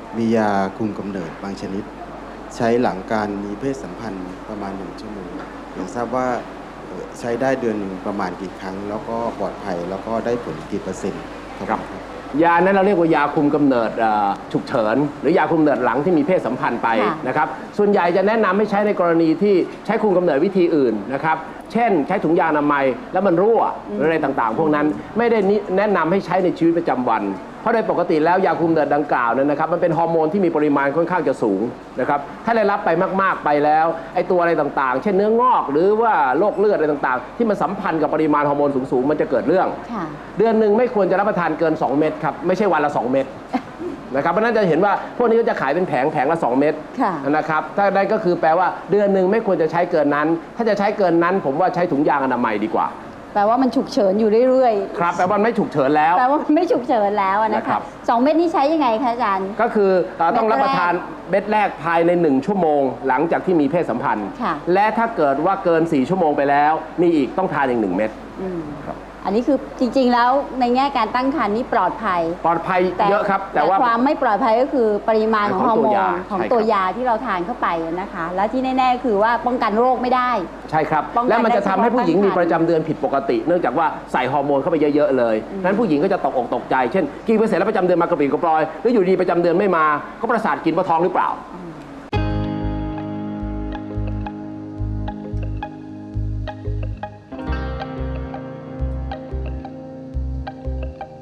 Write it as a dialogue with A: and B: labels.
A: มียาคุมกำเนิดบางชนิด ใช้หลังการมีเพศสัมพันธ์ประมาณ1 ชั่วโมงอยากทราบว่าใช้ได้เดือนหนึ่งประมาณกี่ครั้ง แล้วก็ปลอดภัยแล้วก็ได้ผลกี่%ครับ
B: ยานั้นเราเรียกว่ายาคุมกำเนิดฉุกเฉินหรือยาคุมกำเนิดหลังที่มีเพศสัมพันธ์ไปนะครับส่วนใหญ่จะแนะนำให้ใช้ในกรณีที่ใช้คุมกำเนิดวิธีอื่นนะครับเช่นใช้ถุงยางอนามัยแล้วมันรั่วหรืออะไรต่างๆพวกนั้นไม่ได้แนะนำให้ใช้ในชีวิตประจำวันเพราะโดยปกติแล้วยาคุมกำเนิดดังกล่าวนั้นนะครับมันเป็นฮอร์โมนที่มีปริมาณค่อนข้างจะสูงนะครับถ้าได้รับไปมากๆไปแล้วไอ้ตัวอะไรต่างๆเช่นเนื้องอกหรือว่าโรคเลือดอะไรต่างๆที่มันสัมพันธ์กับปริมาณฮอร์โมนสูงๆมันจะเกิดเรื่องเดือนหนึ่งไม่ควรจะรับประทานเกิน2 เม็ดครับไม่ใช่วันละ2 เม็ดนะครับเพราะนั้นจะเห็นว่าพวกนี้ก็จะขายเป็นแผงละ2 เม็ดนะครับถ้าได้ก็คือแปลว่าเดือนหนึ่งไม่ควรจะใช้เกินนั้นถ้าจะใช้เกินนั้นผมว่าใช้ถุงยางอนามัยดีกว่า
C: แปลว่ามันฉุกเฉินอยู่เรื่อย
B: ๆครับแปลว่าไม่ฉุกเฉินแล้ว
C: แปลว่าไม่ฉุกเฉินแล้วนะคะ2 เม็ดนี้ใช้ยังไงคะอาจารย์
B: ก็คือต้องรับประทานเม็ดแรกภายใน1 ชั่วโมงหลังจากที่มีเพศสัมพันธ์และถ้าเกิดว่าเกิน4 ชั่วโมงไปแล้วมีอีกต้องทานอีก1 เม็ด
C: อันนี้คือจริงๆแล้วในแง่การตั้งครรภ์นี่ปลอดภัย
B: เยอะครับ
C: แต่ว่าความไม่ปลอดภัยก็คือปริมาณของฮอร์โมนของตัวยาที่เราทานเข้าไปนะคะและที่แน่ๆคือว่าป้องกันโรคไม่ได้
B: ใช่ครับและมันจะทำให้ผู้หญิงมีประจำเดือนผิดปกติเนื่องจากว่าใส่ฮอร์โมนเข้าไปเยอะๆเลยนั้นผู้หญิงก็จะตกอกตกใจเช่นกินไปเสร็จแล้วประจำเดือนมากระปรี้กระปรอยหรืออยู่ดีประจำเดือนไม่มาก็ประสาทกินเพราะท้องหรือเปล่า